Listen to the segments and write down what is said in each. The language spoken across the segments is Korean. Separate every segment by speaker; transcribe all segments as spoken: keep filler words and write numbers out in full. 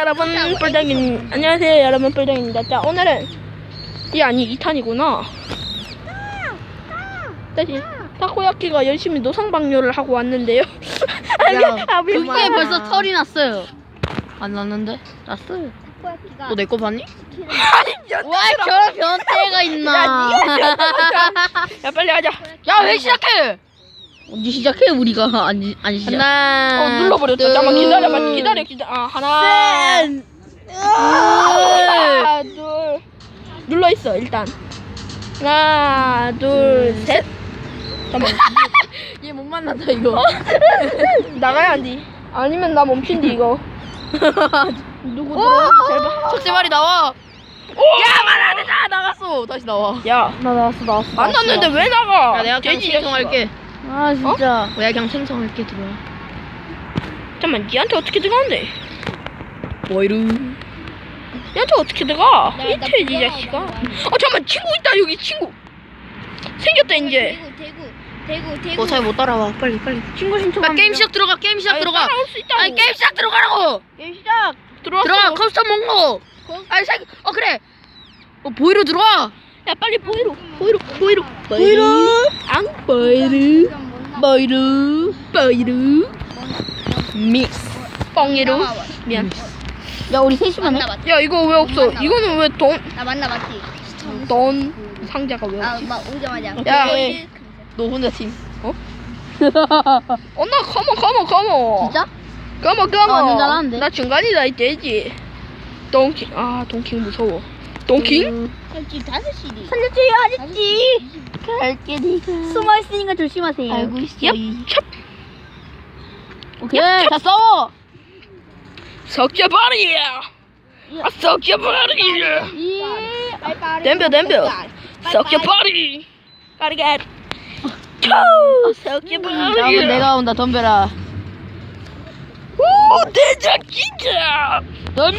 Speaker 1: 여러분, 뿔덩이 안녕하세요 여러분, 뿔덩입니다. 자, 오늘은 이 아니 이 탄이구나. 다시 타코야키가 열심히 노상방뇨를 하고 왔는데요.
Speaker 2: 야,
Speaker 1: 아,
Speaker 2: 그게
Speaker 1: 미안.
Speaker 2: 벌써 털이 났어요. 안 났는데? 났어요.
Speaker 3: 타코야키가
Speaker 2: 너 내 거 봤니?
Speaker 1: 아니,
Speaker 2: 와, 저런 변태가 있나?
Speaker 1: 야, 빨리 하자.
Speaker 2: 야, 왜 시작해? 언제 시작해? 우리가 안, 안 시작. 하나,
Speaker 1: 어, 눌러버렸다. 잠깐만 기다려봐. 기다려, 기다려. 아, 하나,
Speaker 2: 셋,
Speaker 1: 하나, 둘. 눌러 있어 일단. 하나, 둘, 셋. 잠깐만.
Speaker 2: 얘 못 만난다 이거.
Speaker 1: 나가야 한디. 아니면 나 멈춘디 이거. 누구 들어? 제발.
Speaker 2: 석재발이 나와. 야, 말 안 했다. 나갔어. 다시 나와.
Speaker 1: 야,
Speaker 2: 나 나왔어, 나왔어.
Speaker 1: 안 났는데 왜 나가?
Speaker 2: 야, 내가 그냥
Speaker 1: 돼지
Speaker 2: 생성할게. 아, 진짜. 어? 내가 그냥 생성할게, 들어와.
Speaker 1: 잠깐만, 니한테 어떻게 들어가는데?
Speaker 2: 뭐이루.
Speaker 1: 니한테 어떻게 들어가?
Speaker 3: 나- 나
Speaker 1: 밑에 이
Speaker 3: 부끄러워,
Speaker 1: 자식아.
Speaker 3: 너무 많이.
Speaker 1: 어, 잠깐만, 친구 있다 여기 친구. 생겼다 이제.
Speaker 3: 대구 대구 대구 대구
Speaker 2: 너 잘 못 따라와. 빨리, 빨리. 친구 신청. 게임 시작 들어가. 게임 시작
Speaker 1: 아니,
Speaker 2: 들어가.
Speaker 1: 따라올 수 있다고.
Speaker 2: 아니, 게임 시작 들어가라고.
Speaker 1: 게임 시작. 들어왔어.
Speaker 2: 들어가. 커스텀 먹고. 아니, 사, 어 그래. 어 보이로 들어와.
Speaker 1: 야, 빨리 보이로. 보이로. 보이로. 보이로. 앙 보이로. 보이로. 보이로.
Speaker 2: 믹스.
Speaker 1: 뻥이로. 미안.
Speaker 2: 야, 우리 셋이만 해.
Speaker 3: 맞나 맞지?
Speaker 1: 야, 이거 왜 없어? 이거는 왜 돈?
Speaker 3: 나 맞나 맞지?
Speaker 1: 돈 상자가 왜 없지?
Speaker 3: 아막 오자마자
Speaker 1: 야,
Speaker 3: 오케이.
Speaker 2: 너 혼자 팀.
Speaker 1: 어? 어, 나 컴온 컴온 컴온.
Speaker 2: 진짜?
Speaker 1: 컴온
Speaker 2: 나 완전
Speaker 1: 컴온.
Speaker 2: 잘하는데?
Speaker 1: 나 중간이다 이 돼지. 동킹. 아, 동킹 무서워. 동킹?
Speaker 3: 지금 다섯 시리.
Speaker 2: 살려줘요, 아저씨. 갈게, 니가. 숨어 있으니까 조심하세요. 알고 있어.
Speaker 1: 얍. 찹.
Speaker 2: 오케이. 자, 싸워.
Speaker 1: 석재발이야. 아, 석재발이야.
Speaker 3: 빨빨.
Speaker 1: 덤벼 덤벼. 석재발이. 까리가. 초. 석재발이.
Speaker 2: 다음은 내가 온다, 덤벼라.
Speaker 1: 오, 대장 진짜. 덤벼.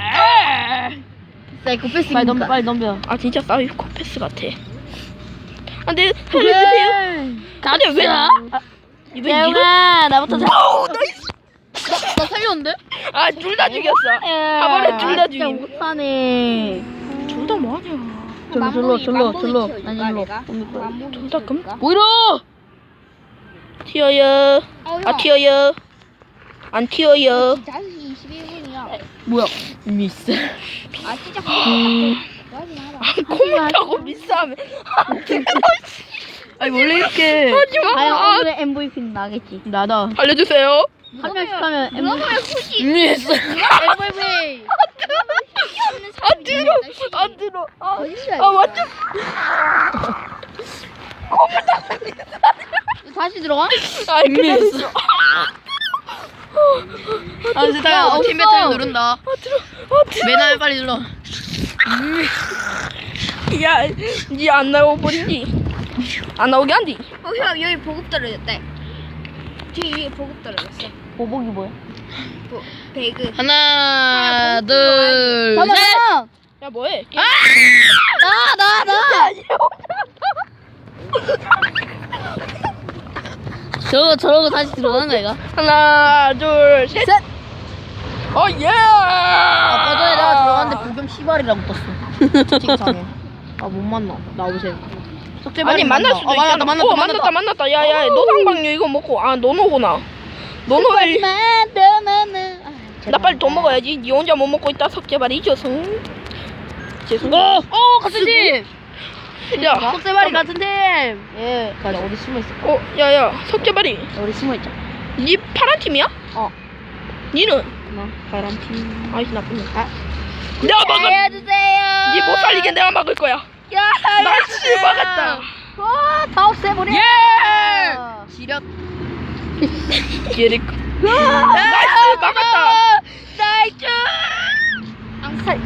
Speaker 2: 사이코패스. 빨리 덤벼, 빨리 덤벼.
Speaker 1: 아, 진짜 사이코패스 같아. 안돼, 살려주세요. 안돼, 왜? 아, 이번 이거.
Speaker 2: 재웅아, 나부터 살.
Speaker 1: 오, 나이스.
Speaker 2: 나 살렸는데?
Speaker 1: 아, 둘 다 죽였어. 한 번에 둘 다
Speaker 2: 진짜
Speaker 1: 죽임.
Speaker 2: 못하네.
Speaker 1: 둘 다 뭐하냐?
Speaker 2: 절로, 절로, 절로, 절로. 아니, 일로.
Speaker 1: 둘 다 금?
Speaker 2: 보이로!
Speaker 1: 튀어요. 아, 튀어요. 안 튀어요.
Speaker 3: 다섯 시 이십일 분이야.
Speaker 2: 뭐야? 미스.
Speaker 3: 아 진짜.
Speaker 2: 음.
Speaker 1: 아, 콧물하고 미싸면.
Speaker 2: 아니, 원래 이렇게.
Speaker 1: 하지마.
Speaker 2: 과연
Speaker 1: 아,
Speaker 2: 오늘의 엠브이피는 나겠지. 나다.
Speaker 1: 알려주세요.
Speaker 2: 한 명씩 하면
Speaker 3: 그러면
Speaker 2: 엠브이피.
Speaker 3: 후시.
Speaker 2: 미스.
Speaker 3: 엠브이피.
Speaker 1: 아, 들어. 아, 들어. 아,
Speaker 3: 거짓말.
Speaker 1: 아, 완전.
Speaker 2: 다시 들어가?
Speaker 1: 아,
Speaker 2: 미스.
Speaker 1: 그랬어.
Speaker 2: 아, 이제
Speaker 1: 야,
Speaker 2: 다 팀
Speaker 1: 없어.
Speaker 2: 배틀 누른다.
Speaker 1: 아, 들어. 아, 들어.
Speaker 2: 맨날 빨리 눌러.
Speaker 1: 야, 니 안 나오고 버리니? 안 나오게 한디?
Speaker 3: 어, 형 여기 보급 떨어졌대. 뒤 위에 보급 떨어졌어.
Speaker 2: 보복이 뭐야?
Speaker 3: 보, 배그.
Speaker 2: 하나, 둘, 셋.
Speaker 1: 야, 뭐해?
Speaker 2: 아! 나, 나, 나. 저거, 저러고 다시 들어가는 거야, 이거?
Speaker 1: 하나, 둘, 셋.
Speaker 2: 셋.
Speaker 1: 어, 예!
Speaker 2: 아까 전에 내가 들어갔는데 불경 씨발이라고 떴어. 채팅창에. 아, 못 만나. 나오세요.
Speaker 1: 아니, 만날 수도
Speaker 2: 어,
Speaker 1: 있잖아.
Speaker 2: 만났다, 만났다,
Speaker 1: 어, 만났다, 만났다. 야, 야, 노상방뇨 이거 먹고. 아, 노노구나. 노노를. 나 빨리 돈 먹어야지. 니 혼자 못 먹고 있다. 석재발 잊어서. 죄송.
Speaker 2: 어, 어, 같은 팀.
Speaker 1: 야,
Speaker 2: 석재발이 같은 팀. 예. 가자, 어디 숨어 있어?
Speaker 1: 어, 야, 야, 석재발이.
Speaker 2: 어디 숨어 있자.
Speaker 1: 니 파란 팀이야?
Speaker 2: 어.
Speaker 1: 니는?
Speaker 2: 나 파란 팀.
Speaker 1: 아이씨, 나쁜 놈.
Speaker 2: 아.
Speaker 1: 내가 막을.
Speaker 2: 알려주세요.
Speaker 1: 니 못 살리게 내가 막을 거야.
Speaker 2: 야,
Speaker 1: 나이스, 막았다.
Speaker 2: 와, 다 없애버려.
Speaker 1: 예!
Speaker 2: 지력.
Speaker 1: 예릭. 나이스, 막았다.
Speaker 2: 나이스.
Speaker 3: 앙살.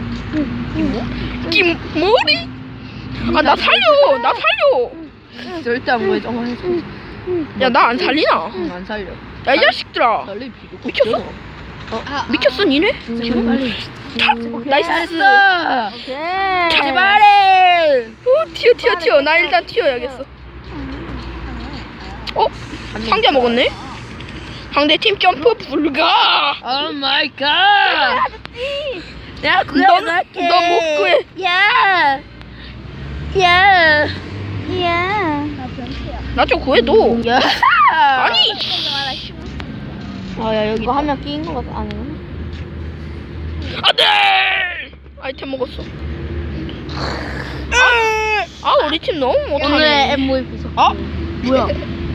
Speaker 1: 김머리? 아, 나 살려. 나 살려.
Speaker 2: 절대 안 보여줘. 어, 해줘.
Speaker 1: 야, 나 안 살리나?
Speaker 2: 안 살려.
Speaker 1: 야, 이 자식들아.
Speaker 2: 살릴 필요
Speaker 1: 미쳤어?
Speaker 3: 아,
Speaker 1: 미쳤어, 니네?
Speaker 2: 지금 빨리.
Speaker 1: 탑! 나이스.
Speaker 2: 오케이.
Speaker 1: 제발해. 오, 튀어, 튀어, 튀어. 나 일단 튀어야겠어. 어? 상자 먹었네? 상대팀 점프 불가.
Speaker 2: 오 마이 갓. 야, 구해
Speaker 1: 넌-
Speaker 2: 갈게.
Speaker 1: 넌못 구해.
Speaker 2: 야. 야.
Speaker 3: 야. 나 변태야.
Speaker 1: 나 좀 구해도.
Speaker 2: 야.
Speaker 1: 아니.
Speaker 3: 나 쉬워.
Speaker 2: 아, 야, 여기 이거 한 명 끼인 거 같아. 아니구나.
Speaker 1: 안돼. 아이템 먹었어. 아, 아 우리 팀 너무
Speaker 2: 오늘의
Speaker 1: 못하네.
Speaker 2: 엠브이피 석.
Speaker 1: 어?
Speaker 2: 뭐야?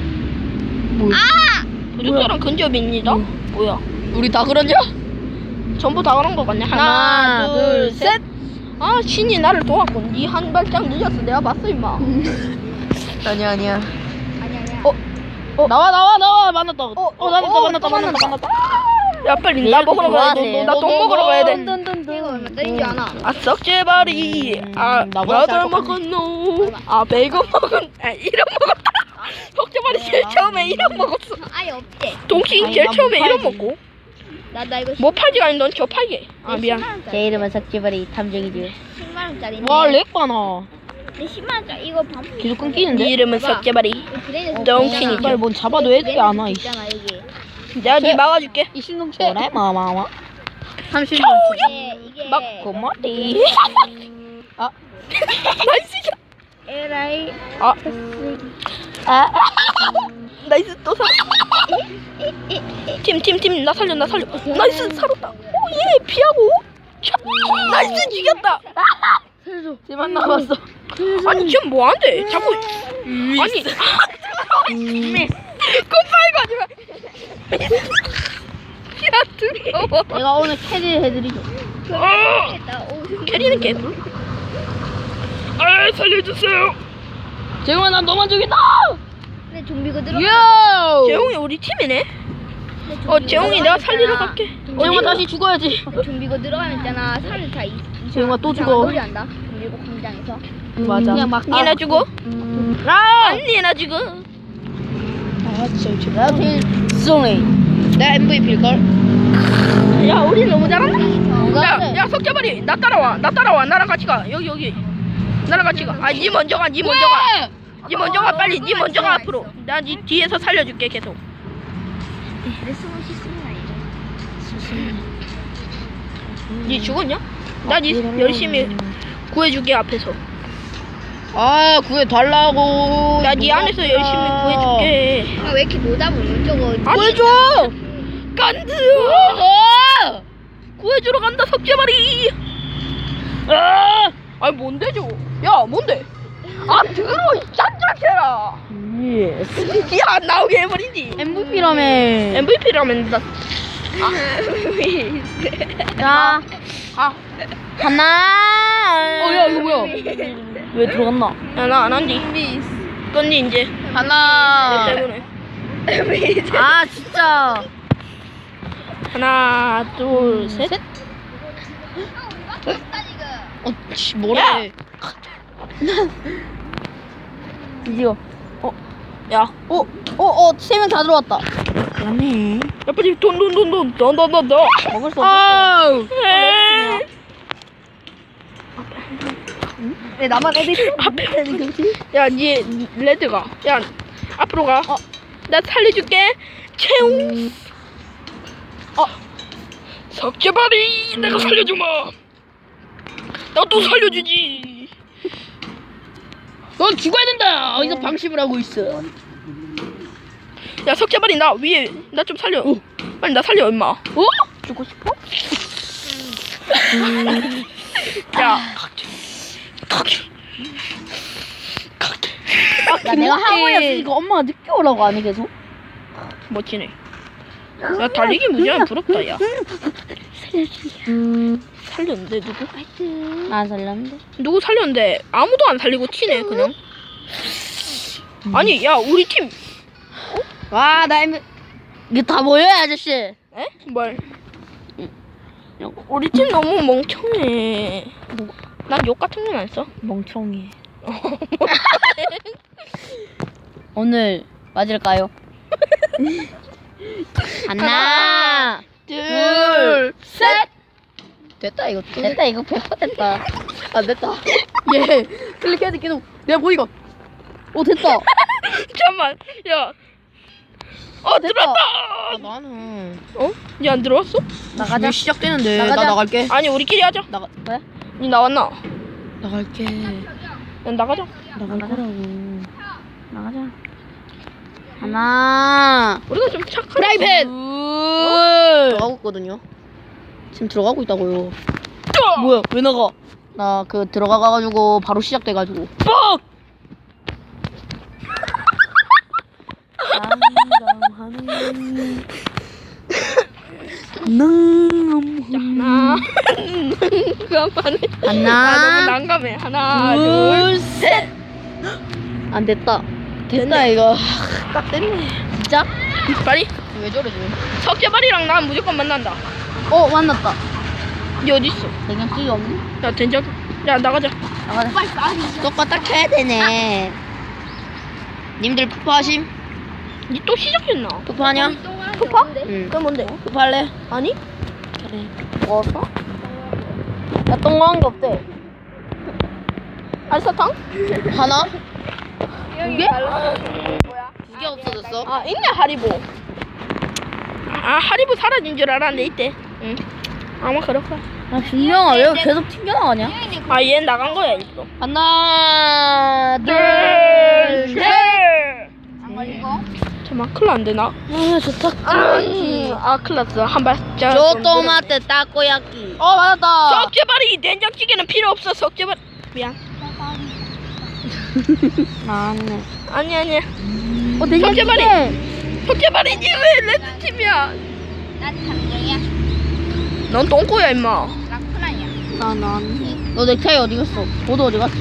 Speaker 1: 부족자랑 근접입니다. 뭐야?
Speaker 2: 우리 다 그러냐?
Speaker 1: 전부 다 그런 거 같네. 하나,
Speaker 2: 하나,
Speaker 1: 둘,
Speaker 2: 둘,
Speaker 1: 셋. 아 신이 나를 도왔군. 니 한 발짝 늦었어. 내가 봤어 임마.
Speaker 2: 아니야, 아니야.
Speaker 3: 아니 아니야.
Speaker 1: 어?
Speaker 2: 어, 나와, 나와, 나와. 만났다. 어,
Speaker 1: 어,
Speaker 2: 만났다,
Speaker 1: 어,
Speaker 2: 만났다,
Speaker 1: 또
Speaker 2: 만났다,
Speaker 1: 만났다.
Speaker 2: 만났다.
Speaker 1: 야 빨리 나 먹으러 가야 돼. 나똥 먹으러 가야 돼.
Speaker 3: 이거 얼마 짜리인지 아나?
Speaker 1: 아 썩제발이.
Speaker 2: 음,
Speaker 1: 아
Speaker 2: 나보다
Speaker 1: 나들
Speaker 2: 짤
Speaker 1: 먹었노. 아 베이컨 먹은. 아 이름 먹었다. 썩제발이 제일 처음에 이름 먹었어.
Speaker 3: 아예 없지.
Speaker 1: 동신
Speaker 2: 아니,
Speaker 1: 제일
Speaker 2: 나
Speaker 1: 처음에
Speaker 2: 못
Speaker 1: 이름
Speaker 2: 팔지.
Speaker 1: 먹고.
Speaker 3: 나 나 이거
Speaker 1: 뭐 팔지가 아니 넌 저 팔게. 아 미안.
Speaker 2: 제 이름은 석지발이 탐정이지.
Speaker 3: 십만 원짜리.
Speaker 2: 와, 렉 봐나.
Speaker 3: 내 십만 원짜리 이거 반.
Speaker 2: 계속
Speaker 1: 네
Speaker 2: 끊기는데?
Speaker 1: 이름은 썩제발이.
Speaker 3: 그래도
Speaker 1: 덩신이지.
Speaker 2: 빨리 뭔 잡아도 애들이 안 와, 이씨.
Speaker 3: 있잖아 여기.
Speaker 1: 내가 니 막아줄게.
Speaker 2: 이 신동체. 그래, 마마마. 삼십
Speaker 3: 이게 이게.
Speaker 1: 막
Speaker 2: 고마리. 아,
Speaker 1: 나이스.
Speaker 3: 에라이.
Speaker 1: 아
Speaker 2: 아,
Speaker 1: 나이스 또 살. 팀 팀 팀 나 살려 나 살려. 나이스 살았다. 오예 피하고. 차. 나이스 죽였다.
Speaker 2: 쟤만 남았어.
Speaker 1: 아니 지금 뭐 한대? 자꾸 아니. 굿바이 가지 마. 야 두려워.
Speaker 2: 내가 오늘 캐리 해드리죠.
Speaker 1: 어,
Speaker 3: 나 오.
Speaker 1: 캐리는 개불. 아 살려주세요.
Speaker 2: 재용아, 난 너만 죽인다!
Speaker 3: 근데 좀비가 들어.
Speaker 2: 요!
Speaker 1: 재홍이 우리 팀이네. 어 재홍이 내가 살리러 갈게.
Speaker 2: 재용아, 다시 죽어야지.
Speaker 3: 좀비가 들어가면 있잖아. 사람들 다 이.
Speaker 2: 재용아, 또
Speaker 3: 이상한
Speaker 2: 죽어.
Speaker 3: 놀이 한다. 좀비고 광장에서.
Speaker 2: 맞아. 그냥 막.
Speaker 1: 니나 주고.
Speaker 2: 라!
Speaker 1: 언니나 주고.
Speaker 2: 아, 진짜. 나 제일 쏘네. 나 엠브이피일걸?
Speaker 1: 야 우리 너무 잘한다.
Speaker 2: 누가
Speaker 1: 야,
Speaker 2: 그래?
Speaker 1: 야 석자발이 나 따라와. 나 따라와. 나랑 같이 가. 여기 여기. 나랑 같이 가. 아, 니 먼저 가. 니 먼저 가. 니 먼저 가. 빨리. 니 먼저 가 앞으로. 나 니 뒤에서 살려줄게 계속.
Speaker 3: 내 숨을 씻습니다 이제.
Speaker 1: 니 죽었냐? 나 니 열심히 구해줄게 앞에서.
Speaker 2: 아, 구해달라고.
Speaker 1: 나 니 안에서 열심히 구해줄게.
Speaker 3: 아, 왜 이렇게 못 잡으면 저거.
Speaker 1: 아니,
Speaker 2: 구해줘!
Speaker 1: 간드.
Speaker 2: 어!
Speaker 1: 구해주러 간다 석재발이. 아, 아니 뭔데 저거? 야 뭔데? 아 들어 이 짠짠해라.
Speaker 2: 예스.
Speaker 1: 야 나오게 해버리지.
Speaker 2: 엠브이피라며.
Speaker 1: 엠브이피라면 나.
Speaker 2: 자,
Speaker 1: 아,
Speaker 2: 하나. 어, 야, 이거 뭐야? 왜 들어갔나?
Speaker 1: 야나 안 한디. 건지 이제.
Speaker 2: 하나.
Speaker 1: 내 때문에.
Speaker 2: 아, 진짜.
Speaker 1: 하나 둘 셋.
Speaker 2: 어, 씨, 뭐래?
Speaker 1: 야!
Speaker 2: 드디어.
Speaker 1: 어, 야,
Speaker 2: 어, 어, 어, 세 명 다 들어왔다. 그러네.
Speaker 1: 야 빨리 돈 돈 돈 돈 돈 돈 돈 돈.
Speaker 2: 먹을 수 없어.
Speaker 1: 아우.
Speaker 2: 왜 나만 애들이
Speaker 1: 앞에 야, 니 레드가. 야, 앞으로 가. 어, 나 살려줄게. 채용. 어, 석재발이 내가 살려주마. 나 또 살려주지.
Speaker 2: 넌 죽어야 된다. 어디서 방심을 하고 있어.
Speaker 1: 야, 석재발이 나 위에 나 좀 살려. 빨리 나 살려, 임마.
Speaker 2: 어?
Speaker 1: 죽고 싶어? 야,
Speaker 2: 야, 내가 하모니였으니까 엄마가 늦게 오라고 하니 계속.
Speaker 1: 멋지네. 야, 달리기 무지하게 부럽다, 야. 살렸는데 누구?
Speaker 2: 안 살렸는데.
Speaker 1: 누구 살렸는데 아무도 안 살리고 튀네 그냥. 아니 야 우리 팀.
Speaker 2: 와, 나 엠 이게 다 뭐야, 아저씨?
Speaker 1: 에? 뭘? 우리 팀 너무 멍청해. 난 욕 같은 건 안 써.
Speaker 2: 멍청이. 오늘 맞을까요? 하나,
Speaker 1: 둘,
Speaker 2: 셋. 됐다 이거. 됐다 이거 백 퍼센트 됐다. 안 됐다. 예. 클릭해야 돼 계속. 내가 보이고. 오 됐다.
Speaker 1: 잠깐만. 야. 어
Speaker 2: 됐다.
Speaker 1: 들어왔다.
Speaker 2: 아, 나는
Speaker 1: 어? 니 안 들어왔어?
Speaker 2: 왜 시작되는데
Speaker 3: 나가자.
Speaker 2: 나 나갈게.
Speaker 1: 아니 우리끼리 하자.
Speaker 2: 나가 그래?
Speaker 1: 니 나왔나?
Speaker 2: 나갈게.
Speaker 1: 난 나가자.
Speaker 2: 나갈 거라고.
Speaker 3: 나가자. 하나.
Speaker 1: 우리가 좀 착한.
Speaker 2: 프라이팬!
Speaker 1: 어?
Speaker 2: 들어가고 있거든요. 지금 들어가고 있다고요.
Speaker 1: 어!
Speaker 2: 뭐야? 왜 나가? 나 그 들어가가지고 바로 시작돼가지고.
Speaker 1: 뻑!
Speaker 2: 난감하네. 난감하네.
Speaker 1: 하나. 난감하네. 아 너무
Speaker 2: 하나,
Speaker 1: 난감해. 하나
Speaker 2: 둘,
Speaker 1: 둘 셋.
Speaker 2: 안 됐다. 됐다 이거. 딱 됐네. 진짜?
Speaker 1: 빨리.
Speaker 2: 왜 저래 지금?
Speaker 1: 석재발이랑 난 무조건 만난다.
Speaker 2: 어 만났다.
Speaker 1: 니 어디 있어?
Speaker 2: 된장찌개 없니?
Speaker 1: 야 된장. 야 나가자.
Speaker 2: 나가자. 똑같다 켜야 되네. 님들 푸파하심?
Speaker 1: 니 또 시작했나?
Speaker 2: 푸파하냐?
Speaker 1: 푸파?
Speaker 2: 응.
Speaker 1: 그 뭔데?
Speaker 2: 푸파할래?
Speaker 1: 아니?
Speaker 2: 그래.
Speaker 1: 먹었어?
Speaker 2: 야 똥망한 게 없대.
Speaker 1: 알사탕?
Speaker 2: 하나?
Speaker 1: 두 개?
Speaker 2: 두 개 없어졌어.
Speaker 1: 아 있네 하리보. 아 하리보 사라진 줄 알았는데 있대. 응. 아마 그럴 거야.
Speaker 2: 아 준영아 왜 계속 튕겨나가냐?
Speaker 1: 아 얘 나간 거야 있어.
Speaker 2: 하나
Speaker 1: 둘 셋.
Speaker 3: 안 걸리고.
Speaker 1: 잠깐 큰일 안 되나?
Speaker 2: 아 좋다.
Speaker 1: 아, 아 큰일 났어. 한 발짝.
Speaker 2: 저 토마토 타코야끼. 어 맞았다.
Speaker 1: 석재발이 된장찌개는 필요 없어. 석재발. 미안.
Speaker 2: 나왔네.
Speaker 1: 아니 아니.
Speaker 2: 어
Speaker 1: 석재발이. 석재발이 니왜 레드 팀이야?
Speaker 3: 난 담정이야.
Speaker 1: 넌 똥꼬야 임마.
Speaker 3: 나 쿠나야.
Speaker 2: 나 나왔네. 너 넥타이 어디 갔어? 보드 어디 갔어?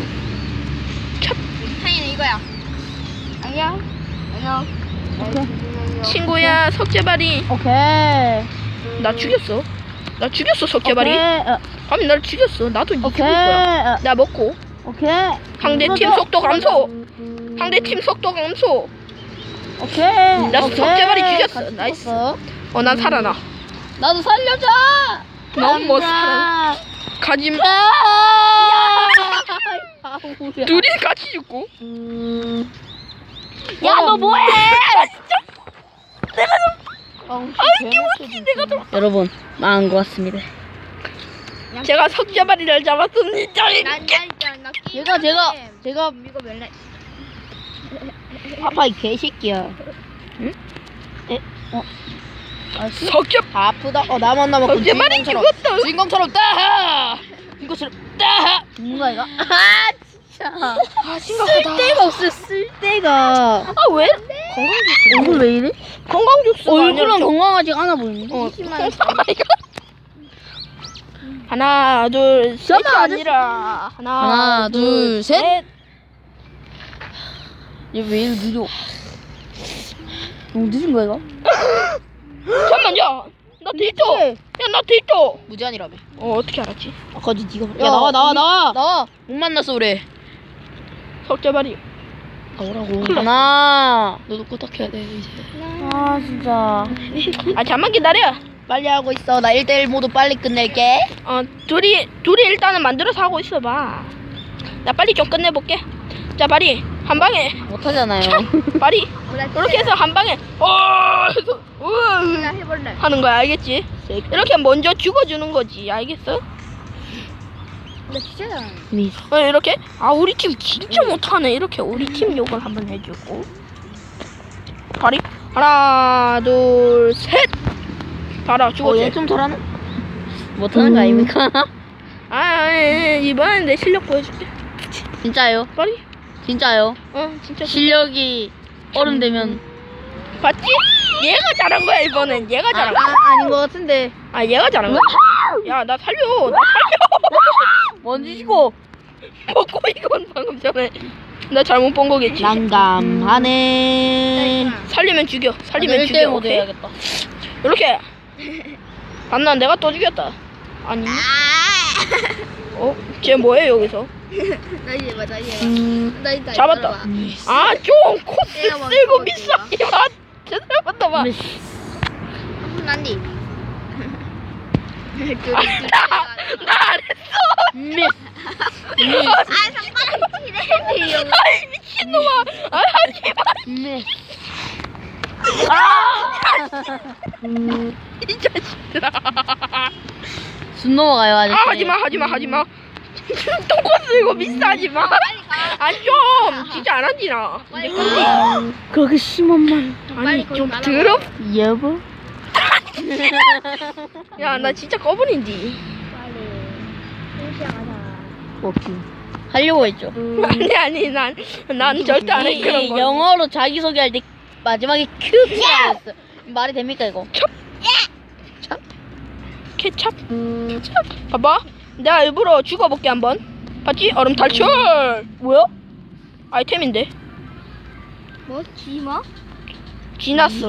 Speaker 3: 타이는 이거야. 안녕. 안녕.
Speaker 2: 오케이.
Speaker 1: 친구야 석재발이.
Speaker 2: 오케이.
Speaker 1: 나 죽였어. 나 죽였어 석재발이.
Speaker 2: 오케이. 어,
Speaker 1: 감히 날 죽였어. 나도 니 죽일
Speaker 2: 오케이.
Speaker 1: 거야.
Speaker 2: 어,
Speaker 1: 나 먹고.
Speaker 2: 오케이.
Speaker 1: 상대 팀 속도 감소. 상대 팀 속도 감소.
Speaker 2: 오케이.
Speaker 1: 나
Speaker 2: 오케이.
Speaker 1: 석재발이 죽였어.
Speaker 2: 같이
Speaker 1: 나이스.
Speaker 2: 죽었어.
Speaker 1: 어 난 살아나.
Speaker 2: 나도 살려줘.
Speaker 1: 넌 뭐 살아. 가지.
Speaker 2: 야.
Speaker 1: 둘이 같이 죽고.
Speaker 2: 음.
Speaker 1: 야 너 뭐해?
Speaker 2: 아,
Speaker 1: 기분이 내가 좀.
Speaker 2: 여러분 망한 것 같습니다.
Speaker 1: 제가 석재발이를 잡았습니다.
Speaker 3: 난난나
Speaker 2: 제가 제가 제가
Speaker 3: 이거 멜레.
Speaker 2: 아빠 이 개새끼야.
Speaker 1: 응?
Speaker 2: 에? 어? 아,
Speaker 1: 석재.
Speaker 2: 아프다. 어 나만 남았고
Speaker 1: 석재발이
Speaker 2: 주인공처럼
Speaker 1: 죽었다.
Speaker 2: 주인공처럼 따하. 주인공처럼 따하. 누가 이거? 아 진짜.
Speaker 1: 아 심각하다.
Speaker 2: 쓸데가 없어 쓸데가.
Speaker 1: 아 왜? 건강 주스.
Speaker 2: 얼굴 왜 이래?
Speaker 1: 건강 주스.
Speaker 2: 얼굴은 건강하지 않아 보이네.
Speaker 1: 어. 이거. 하나 둘 셋이
Speaker 2: 잠깐만,
Speaker 1: 아니라 하나,
Speaker 2: 하나, 둘, 셋. 얘 왜 이렇게 느려? 너무 늦은 거야 이거?
Speaker 1: 잠깐만 야나 데이터. 야나 데이터.
Speaker 2: 무제한이라며.
Speaker 1: 어 어떻게 알았지?
Speaker 2: 아까 네가. 야 나와 나와 나와 나와. 못 만났어 우리.
Speaker 1: 석재발이.
Speaker 2: 나오라고. 하나. 너도 끄덕해야 돼 이제. 아 진짜.
Speaker 1: 아 잠만 기다려.
Speaker 2: 빨리 하고 있어. 나 일 대일 모두 빨리 끝낼게.
Speaker 1: 어 둘이 둘이 일단은 만들어서 하고 있어봐. 나 빨리 좀 끝내볼게. 자 발이 한 방에.
Speaker 2: 못하잖아요.
Speaker 1: 발이 이렇게 해서 한 방에 어 해서
Speaker 3: 나
Speaker 1: 으
Speaker 3: 해볼래.
Speaker 1: 하는 거야 알겠지? 이렇게 먼저 죽어주는 거지 알겠어?
Speaker 3: 나 진짜 잘하네.
Speaker 2: 미스.
Speaker 1: 어 이렇게 아 우리 팀 진짜 못하네. 이렇게 우리 팀 욕을 한번 해주고 발이 하나 둘 셋. 봐라 죽었지?
Speaker 2: 어얘좀 잘하네. 못하는 거 아닙니까?
Speaker 1: 아, 아, 아 이번엔 내 실력 보여줄게.
Speaker 2: 진짜요?
Speaker 1: 빨리.
Speaker 2: 진짜요?
Speaker 1: 어 진짜.
Speaker 2: 실력이 어른 되면.
Speaker 1: 봤지? 얘가 잘한 거야 이번엔. 얘가
Speaker 2: 아,
Speaker 1: 잘한 거야.
Speaker 2: 아 아닌 것 같은데.
Speaker 1: 아 얘가 잘한 거야. 야 나 살려. 나 살려.
Speaker 2: 뭔지시고.
Speaker 1: 먹고 이건 방금 전에 나 잘못 본 거겠지.
Speaker 2: 난감하네.
Speaker 1: 살리면 죽여. 살리면
Speaker 2: 일
Speaker 1: 죽여.
Speaker 2: 대 모드
Speaker 1: 오케이?
Speaker 2: 해야겠다.
Speaker 1: 이렇게. 봤나 내가 또 죽였다. 아니. 어? 쟤 뭐해 여기서?
Speaker 3: 나 이제 봐, 나 이제 봐.
Speaker 2: 음.
Speaker 3: 나 이제
Speaker 1: 잡았다.
Speaker 3: 봐.
Speaker 1: 아 좀 코스
Speaker 3: 얘가 먼저
Speaker 1: 쓸고
Speaker 3: 먹지
Speaker 1: 미싸게 봐. 제대로 봤다 봐.
Speaker 3: 난디.
Speaker 1: 나안 했어.
Speaker 2: 미스.
Speaker 3: 아, 상관없지.
Speaker 1: 아이 미친놈아. 아 하지 마.
Speaker 2: 미스.
Speaker 1: 이 자식들아.
Speaker 2: 숨 넘어가요 아저씨.
Speaker 1: 아 하지마 하지마 하지마. 똥꼬스 이거 비싸지마. 안좀 진짜 안 한디나. 이제 끝내.
Speaker 2: 그렇게 심한 말.
Speaker 1: 아니 좀 더럽.
Speaker 2: 여보.
Speaker 1: 야 나 진짜 꺼분인디.
Speaker 2: 오케이. 하려고 했죠.
Speaker 1: 아니 아니 난 난 절대 안 해 그런 거.
Speaker 2: 영어로 자기 소개할 때 마지막에 큐라고 했어. 말이 됩니까 이거?
Speaker 1: 케찹. 찹. 봐봐. 내가 일부러 죽어볼게 한번. 봤지? 얼음 탈출. 뭐야? 아이템인데.
Speaker 3: 뭐? 지마?
Speaker 1: 지났어.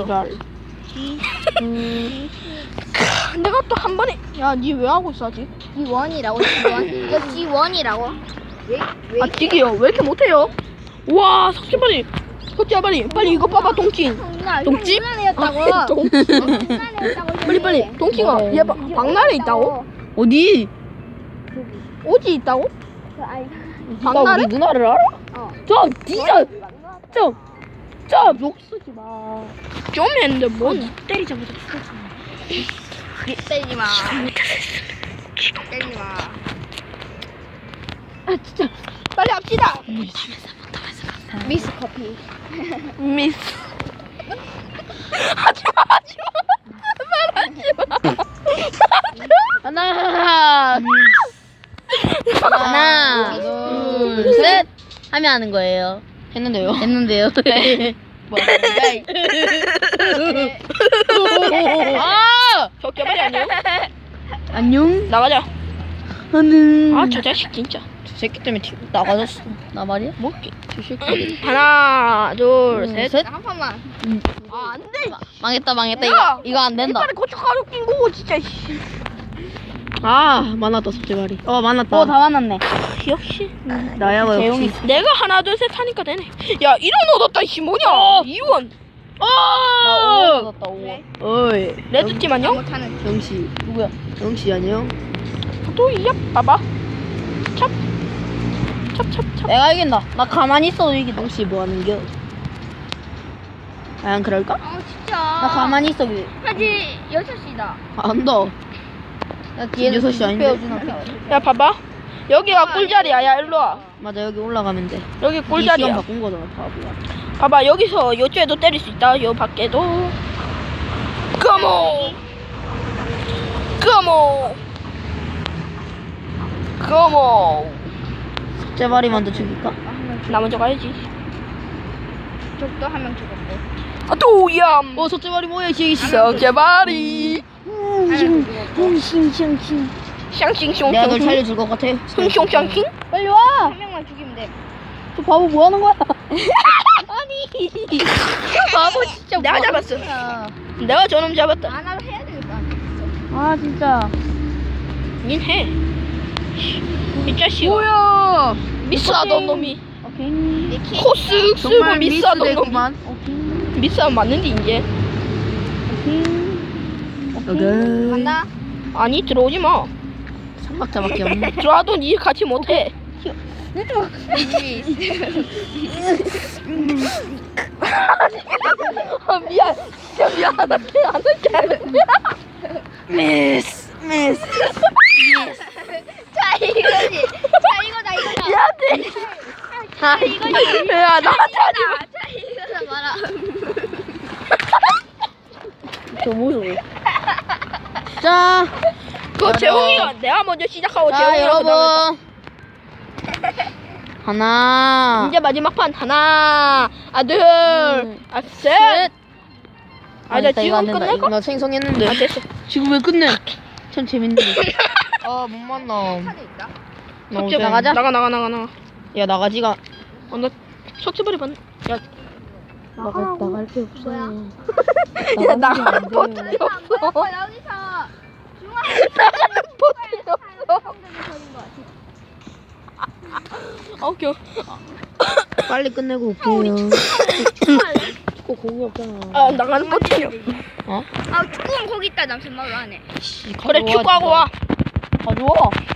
Speaker 1: 내가 또 한 번에. 야, 니 왜 하고 있어 아직?
Speaker 3: 지원이라고 지원. 이거 지원이라고. 왜? 왜?
Speaker 1: 아, 지기요. 왜 이렇게 못해요? 와, 석재발이. 석재발이. 빨리 이거 봐봐, 동칭. 동치?
Speaker 3: 장난이었다고.
Speaker 1: 동치.
Speaker 3: 장난이었다고.
Speaker 1: 빨리 빨리. 동칭아, 얘 봐. 박나래 있다고?
Speaker 2: 어디?
Speaker 1: 오지 있다고?
Speaker 3: 아니.
Speaker 1: 박나래?
Speaker 2: 우리 누나를 알아?
Speaker 3: 어.
Speaker 2: 좀 진짜 좀. 좀 욕 쓰지 마.
Speaker 1: 좀 했는데 뭔?
Speaker 2: 때리자마자
Speaker 3: 때리지 마. 때리지 마.
Speaker 2: 아 진짜.
Speaker 1: 빨리 합시다.
Speaker 3: 미스 커피.
Speaker 1: 미스. 하지마 하지마. 말 하지마.
Speaker 2: 하나. 하나, 둘, 셋 하면 하는 거예요. 했는데요? 했는데요. 뭐? 아!
Speaker 1: 석재발이 안녕.
Speaker 2: 안녕.
Speaker 1: 나가자.
Speaker 2: 하는.
Speaker 1: 아, 저 자식 진짜.
Speaker 2: 저 새끼 때문에 튀, 나가졌어. 나 말이야? 뭐지? 저 새끼.
Speaker 1: 하나, 둘,
Speaker 2: 둘,
Speaker 1: 셋.
Speaker 2: 셋.
Speaker 3: 한 판만.
Speaker 1: 아, 안 돼.
Speaker 2: 마, 망했다 망했다
Speaker 1: 야!
Speaker 2: 이거 이거 안 된다.
Speaker 1: 이빨에 고춧가루 낀 거고 진짜. 씨.
Speaker 2: 아 만났다 석재발이. 어 만났다. 어다 만났네.
Speaker 1: 역시.
Speaker 2: 나야 뭐 역시.
Speaker 1: 내가 하나, 둘, 셋 하니까 되네. 야, 일 원 얻었다. 씨 뭐냐? 이 원.
Speaker 2: 어. 나 오 원 얻었다 오 원. 어이.
Speaker 1: 레드팀 안녕?
Speaker 3: 못하는.
Speaker 2: 영씨 누구야? 영씨 안녕.
Speaker 1: 또 이야 봐봐. 찹. 찹찹찹.
Speaker 2: 내가 이긴다. 나 가만히 있어도 이긴다. 영씨 뭐 하는겨? 과연 그럴까?
Speaker 3: 아 진짜.
Speaker 2: 나 가만히 있어.
Speaker 3: 하지 여섯 시다.
Speaker 2: 안다. 나 뒤에 여섯 시 아닌데.
Speaker 1: 야 봐봐. 여기가 꿀자리야. 야 일로 와.
Speaker 2: 맞아 여기 올라가면 돼.
Speaker 1: 여기
Speaker 2: 시간
Speaker 1: 꿀자리야.
Speaker 2: 바꾼 거잖아 바보야.
Speaker 1: 봐봐 여기서 요쪽에도 때릴 수 있다. 요 밖에도. 컴온. 컴온. 컴온.
Speaker 2: 제발이 먼저 죽일까?
Speaker 1: 나 먼저 가야지.
Speaker 3: 적도 한 명 죽었고.
Speaker 1: 아 또얌.
Speaker 2: 어 석재발이 뭐야 이 새끼.
Speaker 1: 석재발이.
Speaker 2: 싱싱싱싱.
Speaker 1: 샹싱숑.
Speaker 2: 내가 널 살려줄 것 같아.
Speaker 1: 샹숑샹싱.
Speaker 2: 빨리 와.
Speaker 3: 한 명만 죽이면 돼.
Speaker 2: 저 바보 뭐 하는 거야? 아니. 바보 진짜.
Speaker 1: 내가
Speaker 2: 뭐
Speaker 1: 잡았어.
Speaker 2: 하는 거야.
Speaker 1: 내가 저놈 잡았다.
Speaker 3: 안 하도 해야 되겠다.
Speaker 2: 아 진짜.
Speaker 1: 닌 해. 이 자식.
Speaker 2: 뭐야?
Speaker 1: 미스하던 놈이.
Speaker 2: 오케이.
Speaker 3: 내 키.
Speaker 1: 코스 쓰고 미스하던 놈이.
Speaker 2: 오케이.
Speaker 1: 미스하면 맞는데 이제.
Speaker 2: 오케이.
Speaker 3: 간다.
Speaker 1: 아니 들어오지 마.
Speaker 2: 삼박자밖에 없네.
Speaker 1: 들어와도 니 같이 못해. 아 미안. 진짜 미안하다. 안 할게.
Speaker 2: 미스 미스.
Speaker 3: 자 이거지. 자 이거다 이거다.
Speaker 1: 미안해.
Speaker 3: 자 이거지.
Speaker 1: 야 나한테 하지 마.
Speaker 3: 자 이거다 봐라.
Speaker 2: 저 무서워. 자.
Speaker 1: 그거 재홍이가 내가 먼저 시작하고
Speaker 2: 자
Speaker 1: 재홍이가 그다음에
Speaker 2: 여러분. 하나.
Speaker 1: 이제 마지막 판 하나, 아 둘,
Speaker 2: 음.
Speaker 1: 아 셋.
Speaker 2: 셋.
Speaker 1: 아 나
Speaker 2: 됐다, 이거 안
Speaker 1: 지금
Speaker 2: 된다.
Speaker 1: 끝낼까?
Speaker 2: 이거 나 생성했는데.
Speaker 1: 아 됐어.
Speaker 2: 지금 왜 끝내? 참 재밌는데. 아, 못 만나.
Speaker 3: 카드 있다.
Speaker 2: 나
Speaker 1: 석재
Speaker 2: 어제- 나가자.
Speaker 1: 나가 나가 나가 나가.
Speaker 2: 야, 나가지가.
Speaker 1: 어, 나 석재벌이 봤네. 야,
Speaker 2: 나가, 나갈 게 없어.
Speaker 1: 야 나가는 버튼이
Speaker 3: 여기서 안
Speaker 1: 없어.
Speaker 3: 보여. 여기서 중앙.
Speaker 1: 나가는 버튼이 없어. 아 웃겨.
Speaker 2: 빨리 끝내고 올게요. 꼭 공이 없잖아.
Speaker 1: 아 나가는 버튼이 없어.
Speaker 2: 어?
Speaker 3: 아 축구는 거기 있다. 남편말로 하네.
Speaker 2: 씨,
Speaker 1: 그래
Speaker 2: 가져와,
Speaker 1: 축구하고 와.
Speaker 2: 진짜. 가져와.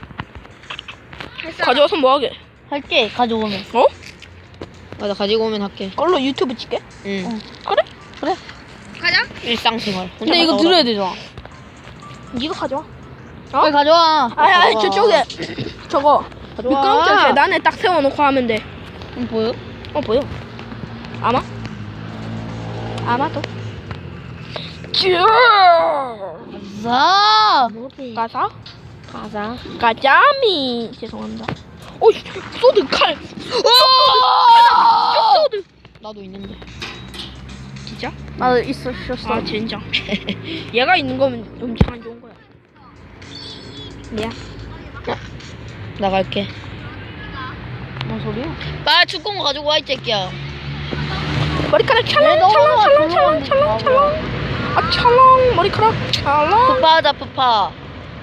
Speaker 3: 했어.
Speaker 1: 가져와서 뭐 하게?
Speaker 2: 할게, 가져오면.
Speaker 1: 어?
Speaker 2: 맞아, 가지고 오면 할게.
Speaker 1: 얼로 유튜브 찍게?
Speaker 2: 응.
Speaker 1: 그래?
Speaker 2: 그래. 일상생활.
Speaker 4: 근데 이거 들어야 되잖아.
Speaker 1: 니가 가져와.
Speaker 2: 빨리 가져와.
Speaker 1: 아니 아니
Speaker 2: 가져와.
Speaker 1: 저쪽에 저거
Speaker 2: 가져와.
Speaker 1: 미끄럼틀 계단에 딱 세워놓고 하면 돼.
Speaker 2: 음, 보여?
Speaker 1: 어 보여. 아마? 아마도. 쭈.
Speaker 2: 가자.
Speaker 1: 가사?
Speaker 2: 가자.
Speaker 1: 가자미. 죄송합니다. 오 소드 칼. 소드.
Speaker 2: 나도 있는데.
Speaker 1: 진짜?
Speaker 4: 나도 있어, 쉬었어.
Speaker 1: 아 젠장. 얘가 있는 거면 엄청 안 좋은 거야. 미안.
Speaker 2: 나갈게.
Speaker 4: 뭔 소리야?
Speaker 2: 빨리 축구공 가지고 와, 이 새끼야.
Speaker 1: 머리카락 찰랑
Speaker 2: 너
Speaker 1: 찰랑
Speaker 2: 너무
Speaker 1: 찰랑 찰랑
Speaker 2: 조용히
Speaker 1: 찰랑
Speaker 2: 좀
Speaker 1: 찰랑. 아 찰랑 머리카락 찰랑.
Speaker 2: 푸파하자, 푸파.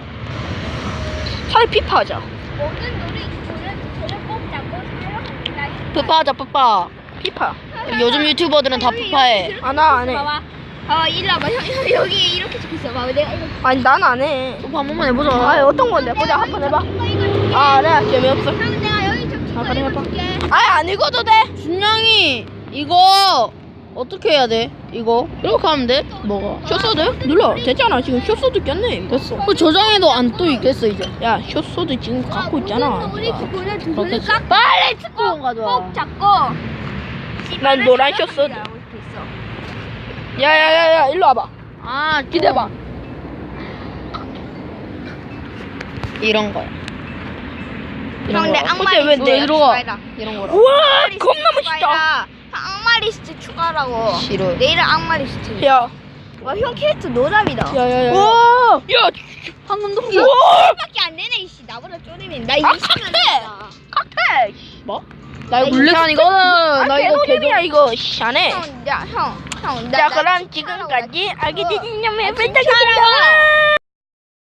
Speaker 1: 차라리 피파하자.
Speaker 3: 모든 놀이 이거는 저를 꼭 잡고 사용합니다.
Speaker 2: 푸파하자, 푸파.
Speaker 1: 피파.
Speaker 2: 요즘 유튜버들은 다 푸파해.
Speaker 1: 아 나 안 해.
Speaker 3: 봐봐. 봐봐 일로 와봐. 형, 형 여기 이렇게 적혀있어. 봐봐 내가 이거
Speaker 1: 아니 난 안 해.
Speaker 2: 푸파 한 번만 해보자.
Speaker 1: 아 어떤 건데? 보자 한번 해봐.
Speaker 3: 이거 이거 줄게.
Speaker 1: 아 그래 재미없어.
Speaker 3: 형 내가 여기 적힌
Speaker 1: 아,
Speaker 3: 거
Speaker 1: 그래,
Speaker 3: 이거
Speaker 1: 해봐.
Speaker 3: 줄게.
Speaker 1: 아니 안 읽어도 돼.
Speaker 2: 준영이 이거 어떻게 해야 돼? 이거 이렇게 하면 돼? 뭐가?
Speaker 1: 숏소드 눌러. 됐잖아 지금 숏소드 꼈네. 됐어.
Speaker 2: 그 저장해도 안 또 있겠어 이제.
Speaker 1: 야 숏소드 지금 갖고 있잖아.
Speaker 3: 모든 놀이 기구는 두 손을
Speaker 2: 그렇겠지.
Speaker 3: 꽉
Speaker 2: 빨리 축구공 가져와.
Speaker 3: 꼭 잡고.
Speaker 1: 난 노란 숏소드. 야야야야 일로 와봐.
Speaker 2: 아
Speaker 1: 기대봐.
Speaker 2: 이런 거야.
Speaker 3: 형 내
Speaker 1: 어째
Speaker 3: 악마
Speaker 1: 왜
Speaker 3: 리스트
Speaker 1: 내-
Speaker 2: 들어와.
Speaker 3: 추가해라.
Speaker 2: 이런 거라.
Speaker 1: 우와 겁나 멋있다.
Speaker 3: 추가해라. 악마 리스트 추가라고.
Speaker 2: 싫어.
Speaker 3: 내일은 악마 리스트.
Speaker 1: 야
Speaker 3: 와 형 캐릭터 노답이다.
Speaker 1: 야야야.
Speaker 2: 와
Speaker 1: 야
Speaker 2: 방금 동기.
Speaker 3: 밖에 안 되네 이씨. 나보다 쪼리면 나 이거
Speaker 1: 아,
Speaker 3: 이십만
Speaker 1: 칵테!
Speaker 3: 원이다.
Speaker 1: 칵테.
Speaker 2: 뭐? 나 이거
Speaker 3: 나
Speaker 2: 블랙 아니거든.
Speaker 1: 아
Speaker 2: 나 이거
Speaker 1: 개노잼이야 이거 샤네.
Speaker 3: 형, 야, 형, 형, 나,
Speaker 1: 자
Speaker 3: 나
Speaker 1: 그럼
Speaker 3: 축하라고
Speaker 1: 지금까지
Speaker 3: 나
Speaker 1: 아기
Speaker 3: 축하.
Speaker 1: 디디님의
Speaker 3: 아,
Speaker 1: 벤타겠습니다.
Speaker 3: 진짜라고.